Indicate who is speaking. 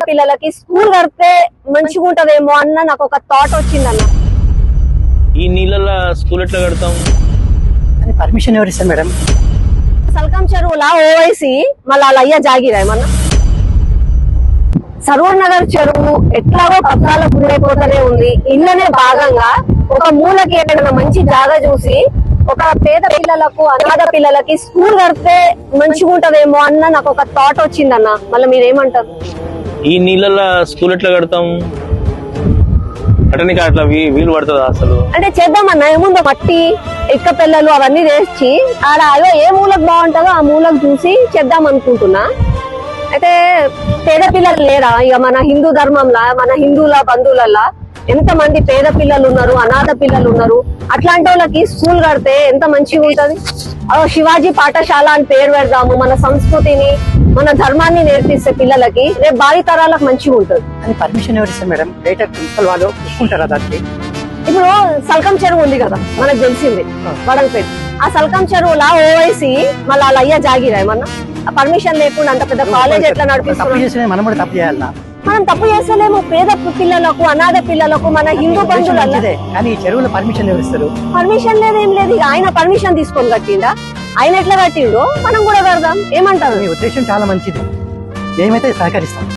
Speaker 1: పిల్లలకి స్కూల్ కడితే మంచిగా ఉంటదేమో అన్న నాకు ఒక థాట్ వచ్చిందన్న.
Speaker 2: ఈ నీళ్ళ స్కూల్ ఎట్లా కడతాం?
Speaker 3: పర్మిషన్ ఎవరు ఇస్తారు మేడం?
Speaker 1: సల్కం చెరువులా ఓవైసీ మళ్ళీ వాళ్ళ అయ్యా జాగిరా ఏమన్నా? సర్వర్ నగర్ చెరువు ఎట్లాగో పత్రాల గురైపోతూనే ఉంది. ఇళ్ళనే భాగంగా ఒక మూలకి ఏదైనా మంచి జాగా చూసి ఒక పేద పిల్లలకు అనాథ పిల్లలకి స్కూల్ కడితే మంచిగా ఉంటదేమో అన్న నాకు ఒక థాట్ వచ్చిందన్న. మళ్ళీ మీరేమంటారు?
Speaker 2: ఈ నీళ్ళ స్కూల్ ఎట్లా కడతాం? కట్టనికి అట్లా వీలు పడుతుందా అసలు?
Speaker 1: అంటే చేద్దామన్నా, ఏముందో మట్టి ఇక్క పిల్లలు అవన్నీ తెచ్చి ఆడ అదో ఏ మూలకు బాగుంటుందో ఆ మూలకు చూసి చేద్దాం అనుకుంటున్నా. అయితే పేద పిల్లలు లేరా? ఇక మన హిందూ ధర్మంలా మన హిందువుల బంధువులలా ఎంత మంది పేద పిల్లలు ఉన్నారు, అనాథ పిల్లలు ఉన్నారు. అట్లాంటి వాళ్ళకి స్కూల్ కడితే ఎంత మంచిగా ఉంటది. శివాజీ పాఠశాల అని పేరు పెడదాము. మన సంస్కృతిని మన ధర్మాన్ని నేర్పిస్తే పిల్లలకి రేపు భావి తరాలకు మంచిగా ఉంటది.
Speaker 3: అని పర్మిషన్ ఎవరు ఇస్తారు మేడం? డైరెక్ట్ ప్రిన్సిపల్ వాళ్ళు చూసుకుంటారా దానికి?
Speaker 1: ఇప్పుడు సల్కం చెరువు ఉంది కదా మనకు తెలిసింది వడలపేట. ఆ సల్కం చెరువులా ఓవైసీ మళ్ళీ వాళ్ళ అయ్యా జాగిరా ఏమన్నా? ఆ పర్మిషన్ లేకుండా అంత పెద్ద కాలేజ్ ఎట్లా
Speaker 3: తప్పు
Speaker 1: నడిపిస్తున్నాం?
Speaker 3: చేసిన మనం కూడా తప్పు చేయాలా?
Speaker 1: మనం తప్పు చేస్తలేము. పేద పిల్లలకు అనాథ పిల్లలకు మన హిందూ బంధువుల
Speaker 3: మంచిదే, కానీ ఈ చెరువులో పర్మిషన్ ఎవరు ఇస్తారు?
Speaker 1: పర్మిషన్ లేదు, ఏం లేదు. ఇక ఆయన పర్మిషన్ తీసుకొని కట్టిండా? ఆయన ఎట్లా కట్టిండో మనం కూడా కడదాం. ఏమంటారు?
Speaker 3: మీ ఉద్దేశం చాలా మంచిది, మేమైతే సహకరిస్తాం.